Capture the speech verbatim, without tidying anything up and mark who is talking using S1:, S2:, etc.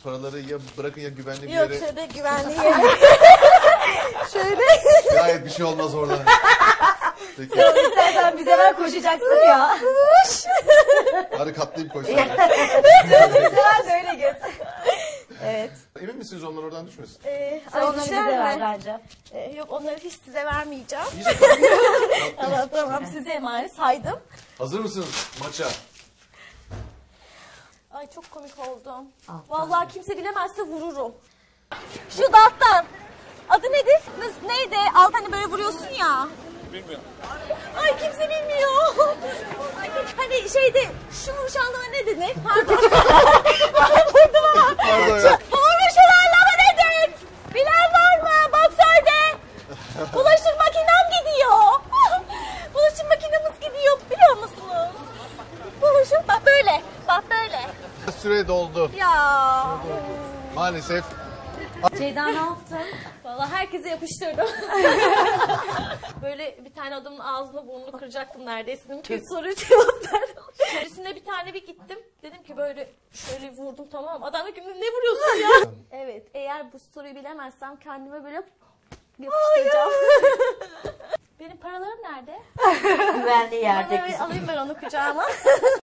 S1: paraları ya bırakın ya güvenli bir
S2: Yok
S1: yere.
S2: şöyle güvenli yere. Şöyle.
S1: Gayet bir şey olmaz orada. Peki.
S3: İstersen bize ver koşacaksın ya.
S1: Hadi katlayıp koysana.
S3: Güzel böyle git.
S2: Evet.
S1: Emin misiniz onlar oradan düşmesin?
S2: Ee,
S3: Sen
S2: ay,
S3: onları bize
S2: düşer
S3: ver
S2: mi?
S3: bence.
S2: Ee, yok onları hiç size vermeyeceğim.
S1: İyice katlayın.
S2: Tamam tamam size emanet saydım.
S1: Hazır mısınız maça?
S2: Ay çok komik oldum.
S3: Alttan.
S2: Vallahi kimse bilemezse vururum. Şu dalttan. Adı nedir? Nasıl, neydi? Alt hani böyle vuruyorsun ya.
S1: Bilmiyorum.
S2: Ay kimse bilmiyor. Ay, hani şeyde şu nişanlama ne denir? Pardon. Vurdum ama.
S1: Pardon ya.
S2: Doğru şu anlama nedir? Bilen var mı? Bak söyle. Bulaşık makinem gidiyor. Bulaşık makinemiz gidiyor biliyor musunuz? Bulaşık bak böyle. Bak böyle.
S1: Süre doldu.
S2: Ya.
S1: Maalesef.
S3: Ceyda ne yaptın?
S2: Vallahi herkese yapıştırdım. Böyle bir tane adamın ağzını burnunu kıracaktım neredeyse. Dedim ki soruya cevap ver. Öncesinde bir tane bir gittim. Dedim ki böyle şöyle vurdum tamam. Adam dedi ki ne vuruyorsun ya? Evet eğer bu soruyu bilemezsem kendime böyle yapıştıracağım. Benim paralarım nerede?
S3: Güvenli yerde
S2: Paraları
S3: kızım.
S2: alayım ben onu kucağıma.